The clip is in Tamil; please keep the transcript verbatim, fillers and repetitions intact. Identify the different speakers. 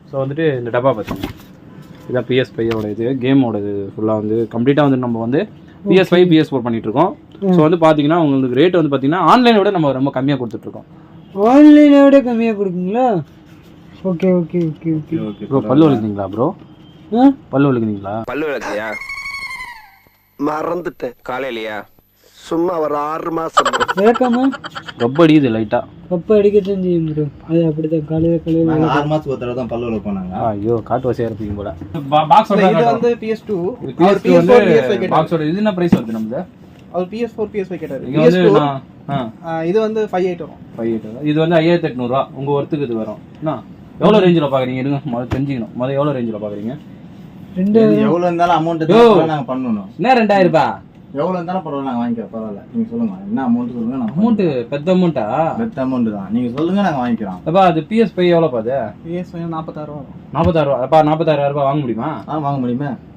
Speaker 1: ஸோ வந்துட்டு இந்த டப்பா பார்த்தீங்கன்னா இதான் பிஎஸ் ஃபைவோட இது கேமோட இது ஃபுல்லாக வந்து கம்ப்ளீட்டாக வந்து நம்ம வந்து பிஎஸ் ஃபைவ் பிஎஸ் ஃபோர் பண்ணிட்டு இருக்கோம். ஸோ வந்து பார்த்தீங்கன்னா உங்களுக்கு ரேட் வந்து பார்த்தீங்கன்னா ஆன்லைனை விட நம்ம ரொம்ப கம்மியாக கொடுத்துட்ருக்கோம்.
Speaker 2: ஆன்லைனை விட கம்மியாக கொடுக்குங்களா? Okay okay okay okay
Speaker 1: okay bro. பல்லு வலிக்குங்களா ப்ரோ? பல்லு வலிக்குங்களா?
Speaker 3: பல்லு வலிக்கலையா? மறந்துட்டேன். காலையிலையா? சும்மா ஒரு ஆறு மாசம்
Speaker 2: வேக்காமா
Speaker 1: ரொம்ப அடிக்குது லைட்டா.
Speaker 2: கப்ப அடிக்கத்தான் செய்யும் ப்ரோ. அது அப்படிதான் காலையில காலையில
Speaker 4: ஆறு மாசத்துக்கு ஒரு தடவை தான் பல்லு வலிக்க போனாங்க.
Speaker 1: ஐயோ காட்டு வசையா இருப்பீங்க போல. பாக்ஸ்
Speaker 5: இது வந்து P S two
Speaker 1: P S two வந்து பாக்ஸோட இது என்ன பிரைஸ் வருது நமக்கு?
Speaker 5: அவர் P S four P S five கேட்டாரு.
Speaker 1: இது வந்து நான்
Speaker 5: இது வந்து five eight வரும்.
Speaker 1: five eight இது வந்து ஐயாயிரத்து எட்நூறு ரூபாய் உங்க ஒர்த்துக்கு இது வரும். என்ன எவ்வளவு ரேஞ்சில பாக்குறீங்க? இருங்க முதல்ல தெரிஞ்சுக்கணும். முதல்ல எவ்வளவு ரேஞ்சில பாக்குறீங்க?
Speaker 2: ரெண்டு
Speaker 4: எவ்வளவு இருந்தாலும் அமௌண்ட் நாங்க பண்ணணும்.
Speaker 1: என்ன ரெண்டாயிரம் ரூபாய்?
Speaker 4: எவ்வளவு இருந்தாலும் பரவாயில்ல நாங்க வாங்கிக்கிறோம். பரவாயில்ல நீங்க சொல்லுங்க என்ன அமௌண்ட் சொல்லுங்க. நான்
Speaker 1: அமௌண்ட் பெத்த அமௌண்ட்டா?
Speaker 4: பெத்த அமௌண்ட் தான். நீங்க சொல்லுங்க நாங்க வாங்கிக்கிறோம்.
Speaker 1: அப்பா அது P S five எவ்வளவு பாது?
Speaker 5: P S five forty-six ரூபாய் வரும்.
Speaker 1: நாற்பத்தாறு ரூபாய். அப்பா நாற்பத்தாறாயிரம் ரூபாய் வாங்க முடியுமா?
Speaker 4: ஆ வாங்க முடியுமா?